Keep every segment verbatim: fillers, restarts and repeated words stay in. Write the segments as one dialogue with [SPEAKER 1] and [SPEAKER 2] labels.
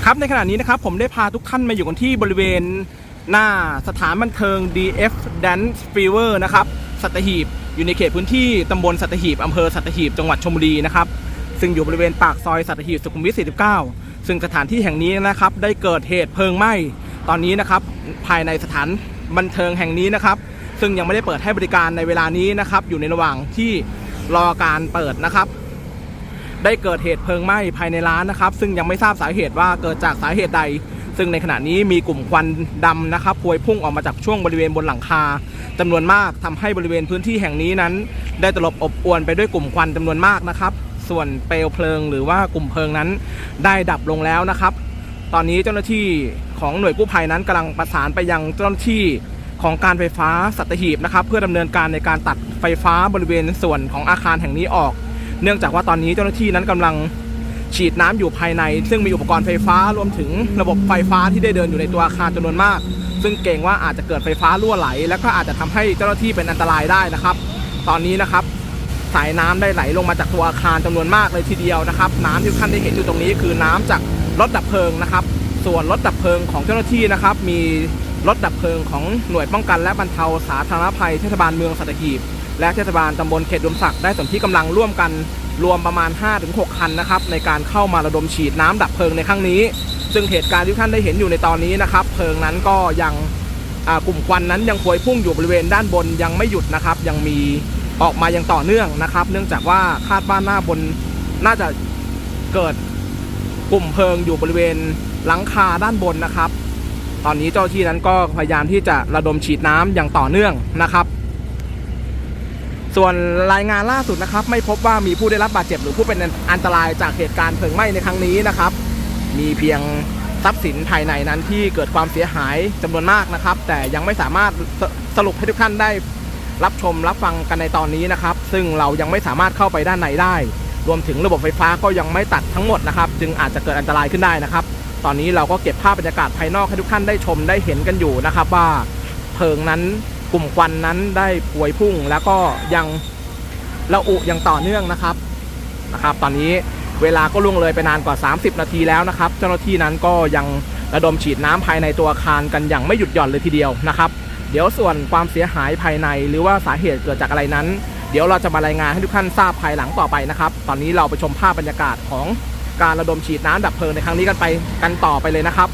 [SPEAKER 1] ครับในขณะนี้นะครับผมได้พาทุกท่านมาอยู่กันที่บริเวณหน้าสถานบันเทิง ดี เอฟ Dance Fever นะครับสัตหีบอยู่ในเขตพื้นที่ตำบลสัตหีบอำเภอสัตหีบจังหวัดชลบุรีนะครับซึ่งอยู่บริเวณปากซอยสัตหีบสุขุมวิทสี่สิบเก้าซึ่งสถานที่แห่งนี้นะครับได้เกิดเหตุเพลิงไหม้ตอนนี้นะครับภายในสถานบันเทิงแห่งนี้นะครับซึ่งยังไม่ได้เปิดให้บริการในเวลานี้นะครับอยู่ในระหว่างที่รอการเปิดนะครับได้เกิดเหตุเพลิงไหม้ภายในร้านนะครับซึ่งยังไม่ทราบสาเหตุว่าเกิดจากสาเหตุใดซึ่งในขณะนี้มีกลุ่มควันดำนะครับพวยพุ่งออกมาจากช่วงบริเวณบนหลังคาจำนวนมากทำให้บริเวณพื้นที่แห่งนี้นั้นได้ตลบอบอวนไปด้วยกลุ่มควันจำนวนมากนะครับส่วนเปลวเพลิงหรือว่ากลุ่มเพลิงนั้นได้ดับลงแล้วนะครับตอนนี้เจ้าหน้าที่ของหน่วยกู้ภัยนั้นกำลังประสานไปยังเจ้าหน้าที่ของการไฟฟ้าสัตหีบนะครับเพื่อดำเนินการในการตัดไฟฟ้าบริเวณส่วนของอาคารแห่งนี้ออกเนื่องจากว่าตอนนี้เจ้าหน้าที่นั้นกำลังฉีดน้ำอยู่ภายในซึ่งมีอุปกรณ์ไฟฟ้ารวมถึงระบบไฟฟ้าที่ได้เดินอยู่ในตัวอาคารจำนวนมากซึ่งเกรงว่าอาจจะเกิดไฟฟ้ารั่วไหลและก็อาจจะทำให้เจ้าหน้าที่เป็นอันตรายได้นะครับตอนนี้นะครับสายน้ำได้ไหลลงมาจากตัวอาคารจำนวนมากเลยทีเดียวนะครับน้ำที่ท่านได้เห็นอยู่ตรงนี้คือน้ำจากรถดับเพลิงนะครับส่วนรถดับเพลิงของเจ้าหน้าที่นะครับมีรถดับเพลิงของหน่วยป้องกันและบรรเทาสาธารณภัยเทศบาลเมืองสัตหีบและเทศบาลตำบลเขตอุดมศักดิ์ได้สนที่กำลังร่วมกันรวมประมาณ ห้าถึงหก คันนะครับในการเข้ามาระดมฉีดน้ำดับเพลิงในครั้งนี้ซึ่งเหตุการณ์ที่ท่านได้เห็นอยู่ในตอนนี้นะครับเพลิงนั้นก็ยังกลุ่มควันนั้นยังพวยพุ่งอยู่บริเวณด้านบนยังไม่หยุดนะครับยังมีออกมายังต่อเนื่องนะครับเนื่องจากว่าคาดว่าหน้าบนน่าจะเกิดกลุ่มเพลิงอยู่บริเวณหลังคาด้านบนนะครับตอนนี้เจ้าหน้าที่นั้นก็พยายามที่จะระดมฉีดน้ำอย่างต่อเนื่องนะครับส่วนรายงานล่าสุดนะครับไม่พบว่ามีผู้ได้รับบาดเจ็บหรือผู้เป็นอันตรายจากเหตุการณ์เพลิงไหม้ในครั้งนี้นะครับมีเพียงทรัพย์สินภายในนั้นที่เกิดความเสียหายจำนวนมากนะครับแต่ยังไม่สามารถสรุปให้ทุกท่านได้รับชมรับฟังกันในตอนนี้นะครับซึ่งเรายังไม่สามารถเข้าไปด้านในได้รวมถึงระบบไฟฟ้าก็ยังไม่ตัดทั้งหมดนะครับจึงอาจจะเกิดอันตรายขึ้นได้นะครับตอนนี้เราก็เก็บภาพบรรยากาศภายนอกให้ทุกท่านได้ชมได้เห็นกันอยู่นะครับว่าเพลิงนั้นกลุ่มควันนั้นได้พวยพุ่งแล้วก็ยังระอุอย่างต่อเนื่องนะครับนะครับตอนนี้เวลาก็ล่วงเลยไปนานกว่าสามสิบนาทีแล้วนะครับเจ้าหน้าที่นั้นก็ยังระดมฉีดน้ำภายในตัวอาคารกันอย่างไม่หยุดหย่อนเลยทีเดียวนะครับเดี๋ยวส่วนความเสียหายภายในหรือว่าสาเหตุเกิดจากอะไรนั้นเดี๋ยวเราจะมารายงานให้ทุกท่านทราบภายหลังต่อไปนะครับตอนนี้เราไปชมภาพบรรยากาศของการระดมฉีดน้ำดับเพลิงในครั้งนี้กันไปกันต่อไปเลยนะครับ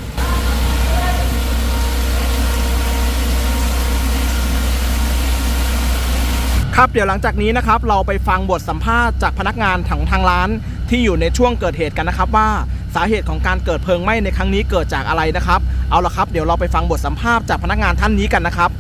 [SPEAKER 1] ครับเดี๋ยวหลังจากนี้นะครับเราไปฟังบทสัมภาษณ์จากพนักงานของทางร้านที่อยู่ในช่วงเกิดเหตุกันนะครับว่าสาเหตุของการเกิดเพลิงไหม้ในครั้งนี้เกิดจากอะไรนะครับเอาละครับเดี๋ยวเราไปฟังบทสัมภาษณ์จากพนักงานท่านนี้กันนะครับ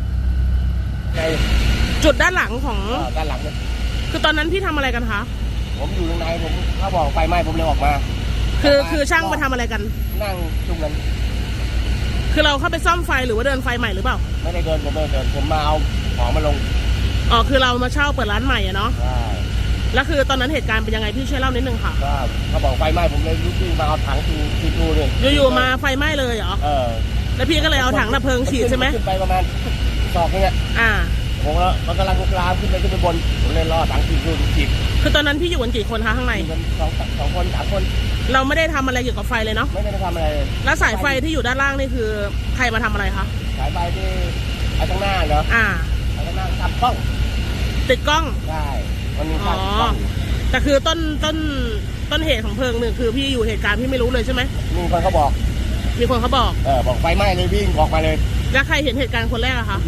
[SPEAKER 2] จุดด้านหลังของ
[SPEAKER 3] ด้านหลังเนี่ย
[SPEAKER 2] คือตอนนั้นพี่ทำอะไรกันคะ
[SPEAKER 3] ผมอยู่ข้างในผมเขาบอกไฟไหม้ผมเลยออกมา
[SPEAKER 2] คือคือช่างมาทำอะไรกัน
[SPEAKER 3] นั่งจุ่มกัน
[SPEAKER 2] คือเราเข้าไปซ่อมไฟหรือว่าเดินไฟใหม่หรือเปล่า
[SPEAKER 3] ไม่ได้เดินผมไม่เดินผมมาเอาของมาลง
[SPEAKER 2] อ๋อคือเรามาเช่าเปิดร้านใหม่อะเนาะ
[SPEAKER 3] ใช่
[SPEAKER 2] แล้วคือตอนนั้นเหตุการณ์เป็นยังไงพี่ช่วยเล่านิดนึงค่ะ
[SPEAKER 3] ก็เขาบอกไฟไหม้ผมเลยลุกขึ้นมาเอาถังทีทีดูเลย
[SPEAKER 2] อยู่ๆมาไฟไหม้เลยเหรอ
[SPEAKER 3] เออ
[SPEAKER 2] แล้วพี่ก็เลยเอาถังดับเพลิงฉีดใช่ไหม
[SPEAKER 3] ขึ้นไปประมาณสองเนี่ย
[SPEAKER 2] อ่า
[SPEAKER 3] ผมแล้วมันกำลังลุกลามขึ้นไปขึ้นไปบนผมเลยรอถังทีดูฉีด
[SPEAKER 2] คือตอนนั้นพี่อยู่กันกี่คนคะข้างใน
[SPEAKER 3] สองสองคนสามคน
[SPEAKER 2] เราไม่ได้ทำอะไรเกี่ยวกับไฟเลยเนาะ
[SPEAKER 3] ไม่ได้ทำอะไร
[SPEAKER 2] แล้วสายไฟที่อยู่ด้านล่างนี่คือใครมาทำอะไรคะ
[SPEAKER 3] สายไฟที่ไอ้ตรงหน้าเหรอ
[SPEAKER 2] อ่า
[SPEAKER 3] ไอ้ตรงหน้าทำกล้อง
[SPEAKER 2] ติดกล้อง
[SPEAKER 3] ใช่มันมีการกล้อง
[SPEAKER 2] แต่คือต้นต้นต้นเหตุของเพลิงหนึ่งคือพี่อยู่เหตุการณ์พี่ไม่รู้เลยใช่ไหม
[SPEAKER 3] มีคนเขาบอก
[SPEAKER 2] มีคนเขาบอก
[SPEAKER 3] เออบอกไฟไหม้เลยวิ่งออกมาเลย
[SPEAKER 2] แล้วใครเห็นเหตุการณ์คนแรกอะคะ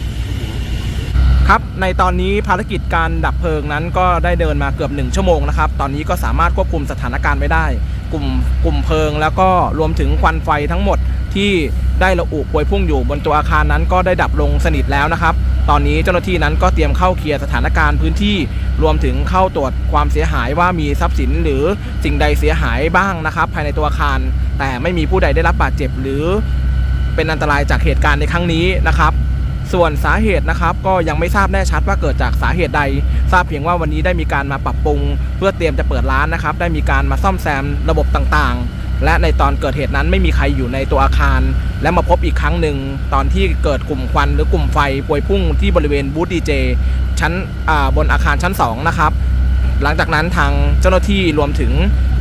[SPEAKER 1] ครับในตอนนี้ภารกิจการดับเพลิงนั้นก็ได้เดินมาเกือบหนึ่งชั่วโมงนะครับตอนนี้ก็สามารถควบคุมสถานการณ์ไว้ได้กลุ่มกลุ่มเพลิงแล้วก็รวมถึงควันไฟทั้งหมดที่ได้ระอุพวยพุ่งอยู่บนตัวอาคารนั้นก็ได้ดับลงสนิทแล้วนะครับตอนนี้เจ้าหน้าที่นั้นก็เตรียมเข้าเคลียร์สถานการณ์พื้นที่รวมถึงเข้าตรวจความเสียหายว่ามีทรัพย์สินหรือสิ่งใดเสียหายบ้างนะครับภายในตัวอาคารแต่ไม่มีผู้ใดได้รับบาดเจ็บหรือเป็นอันตรายจากเหตุการณ์ในครั้งนี้นะครับส่วนสาเหตุนะครับก็ยังไม่ทราบแน่ชัดว่าเกิดจากสาเหตุใดทราบเพียงว่าวันนี้ได้มีการมาปรับปรุงเพื่อเตรียมจะเปิดร้านนะครับได้มีการมาซ่อมแซมระบบต่างๆและในตอนเกิดเหตุนั้นไม่มีใครอยู่ในตัวอาคารและมาพบอีกครั้งหนึ่งตอนที่เกิดกลุ่มควันหรือกลุ่มไฟพวยพุ่งที่บริเวณบูธดีเจชั้นบนอาคารชั้นสองนะครับหลังจากนั้นทางเจ้าหน้าที่รวมถึง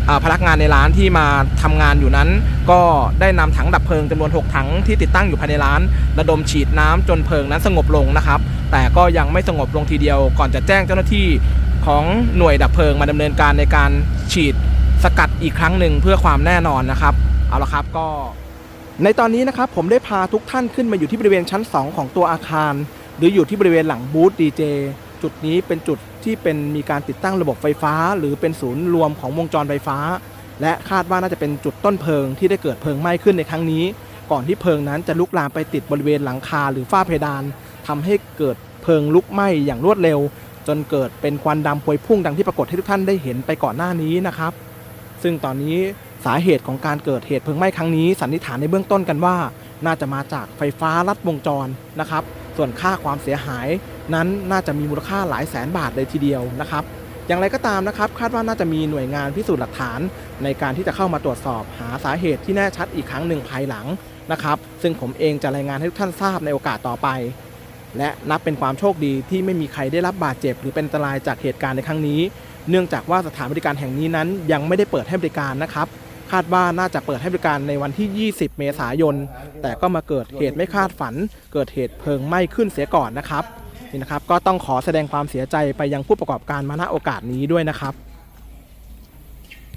[SPEAKER 1] อ่าพนักงานในร้านที่มาทำงานอยู่นั้น ก็ได้นำถังดับเพลิงจำนวนหกถังที่ติดตั้งอยู่ภายในร้านระดมฉีดน้ำจนเพลิงนั้นสงบลงนะครับแต่ก็ยังไม่สงบลงทีเดียวก่อนจะแจ้งเจ้าหน้าที่ของหน่วยดับเพลิงมาดำเนินการในการฉีดสกัดอีกครั้งหนึ่งเพื่อความแน่นอนนะครับเอาละครับก็ในตอนนี้นะครับผมได้พาทุกท่านขึ้นมาอยู่ที่บริเวณชั้นสองของตัวอาคารหรืออยู่ที่บริเวณหลังบูธดีเจจุดนี้เป็นจุดที่เป็นมีการติดตั้งระบบไฟฟ้าหรือเป็นศูนย์รวมของวงจรไฟฟ้าและคาดว่าน่าจะเป็นจุดต้นเพลิงที่ได้เกิดเพลิงไหม้ขึ้นในครั้งนี้ก่อนที่เพลิงนั้นจะลุกลามไปติดบริเวณหลังคาหรือฝ้าเพดานทำให้เกิดเพลิงลุกไหม้อย่างรวดเร็วจนเกิดเป็นควันดำพวยพุ่งดังที่ปรากฏให้ทุกท่านได้เห็นไปก่อนหน้านี้นะครับซึ่งตอนนี้สาเหตุของการเกิดเหตุเพลิงไหม้ครั้งนี้สันนิษฐานในเบื้องต้นกันว่าน่าจะมาจากไฟฟ้าลัดวงจรนะครับส่วนค่าความเสียหายนั้นน่าจะมีมูลค่าหลายแสนบาทเลยทีเดียวนะครับอย่างไรก็ตามนะครับคาดว่าน่าจะมีหน่วยงานพิสูจน์หลักฐานในการที่จะเข้ามาตรวจสอบหาสาเหตุที่แน่ชัดอีกครั้งหนึ่งภายหลังนะครับซึ่งผมเองจะรายงานให้ทุกท่านทราบในโอกาสต่อไปและนับเป็นความโชคดีที่ไม่มีใครได้รับบาดเจ็บหรือเป็นอันตรายจากเหตุการณ์ในครั้งนี้เนื่องจากว่าสถานบริการแห่งนี้นั้นยังไม่ได้เปิดให้บริการนะครับคาดว่าน่าจะเปิดให้บริการในวันที่ยี่สิบเมษายนแต่ก็มาเกิดเหตุไม่คาดฝันเกิดเหตุเพลิงไหม้ขึ้นเสียก่อนนะครับนี่นะครับก็ต้องขอแสดงความเสียใจไปยังผู้ประกอบการมาณโอกาสนี้ด้วยนะครับ